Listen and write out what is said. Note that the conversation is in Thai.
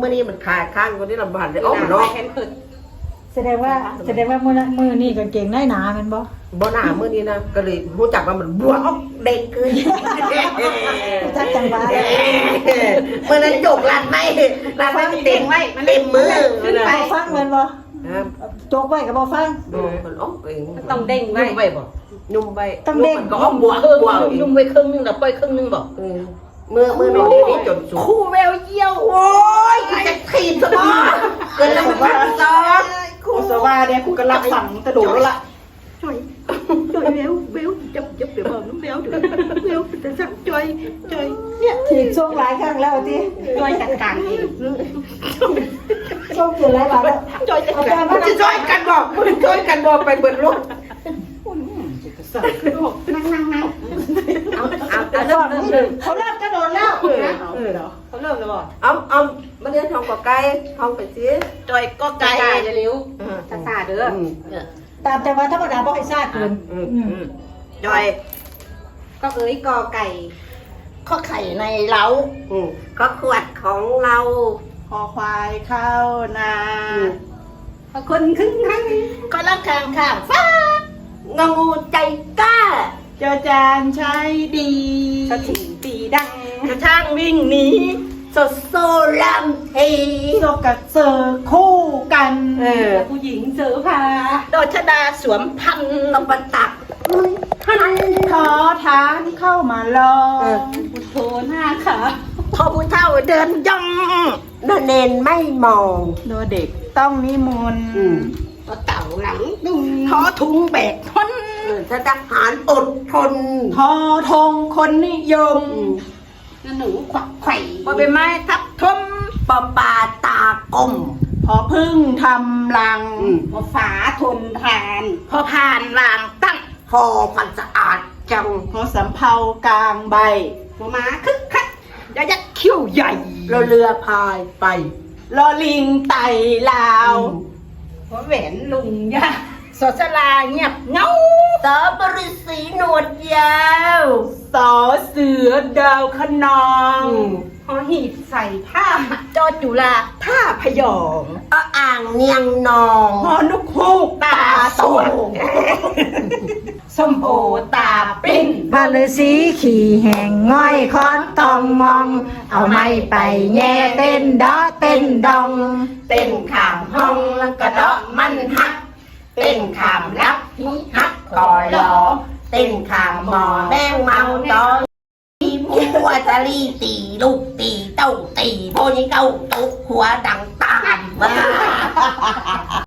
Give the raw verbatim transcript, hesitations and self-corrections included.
มื่อนี้มันขาดข้างคนที่ลำบากเลยอ๋อมันเนาะแสดงว่าแสดงว่ามือมือนี่กางเกงได้หนาเป็นบ่บ่หนามื่อนี้นะก็เลยรู้จักว่ามันบวกเด็กขึ้นจักจังหวะเมื่อนั้นจกลันไม่ลันไม่เต็มไว้เต็มมือขึ้นไปฟังมันบ่จกไว้กับบ่ฟังมันอ๋อเองต้องเด้งไว้ไว้บ่นุ่มไว้ต้องเด้งก็อ้อมบวกบวกนุ่มไว้ครึ่งนึงแล้วปล่อยครึ่งนึงบ่เมื่อเมื่อน้องนี้จนสูงคู่แววเยี่ยวโอ้ยจะถีบสมองเกินแล้วมันพันซ้อนคู่สว่าเนี่ยคู่กันรับสั่งกระโดดแล้วล่ะช่วยช่วยเบลเบลจับจับเดี๋ยวบอกน้ำเบลเดี๋ยวเบลจะสั่งช่วยช่วยเนี่ยถีบช่วงหลายครั้งแล้วที่ช่วยจัดการเองช่วงเกิดหลายบาทแล้วช่วยจัดการมันจะช่วยกันบอกมันช่วยกันบอกไปเบิดรถนั่งนั่งนั่งเอาเอาเอาเริ่มเริ่มเขาเริ่มกระโดดแล้วเออเขาเริ่มแล้วบ่เอาเอามาเรียนทองกับไก่ทองไปสิจอยก็ไก่จะเลี้ยวช้าช้าเด้อตามจังหวะธรรมดาบ่ให้ซ่าเกินจอยก็เอ้ยกอไก่ข้อไข่ในเล้าก็ขวดของเราคอควายเข้านาพอคนครึ่งครั้งก็รักข้างข้างฟ้างูใจกล้าเจ้าจานใช้ดีสถิงตีดังกระช่างวิ่งหนีสดโซลัมทีโซกับเซอร์คู่กันเออผู้หญิงเสือพาโดชดาสวมพันตบตักท่านขอทานเข้ามาลองพุทโธหน้าขาพอผู้เฒ่าเดินย่องโดเนนไม่มองโดเด็กต้องนิมนต์ก็เต่าหลังดุงท้อทุงแบกทนทหารอดทนทอทงคนนิยมหนูขวักไข่บอใบไม้ทับทมปอปาตากลมพอพึ่งทำรังพอฝาทนทานพอผ่านวางตั้งพอพันสะอาดจังพอสำเภากลางใบพอมาคึกคักยายักษ์คิ้วใหญ่เราเรือพายไปลอลิงไต่ลาวพอแหวนลุงยาสอสลาเงียบเงาสอบริสีหนวดยาวสอเสือดาวขนองหอหีบใส่ผ้าจอจุฬาท่าพยองออ่างเนียงนองหอนุกฮูกตาสวงส้มโอตาปิ้นบาลสีขี่แห่งง่อยคอนตองมองเอาไม้ไปแย่เต้นดอเต้นดองเต้นข้ามห้องแล้วก็ดอกมันฮักเต้นขามรับฮิฮักก่อรอเต้นขามหมอแมงเมาจอตีหัวตะลีตีลูกตีเต้าตีโพนี่เต้าตุกหัวดังตามมา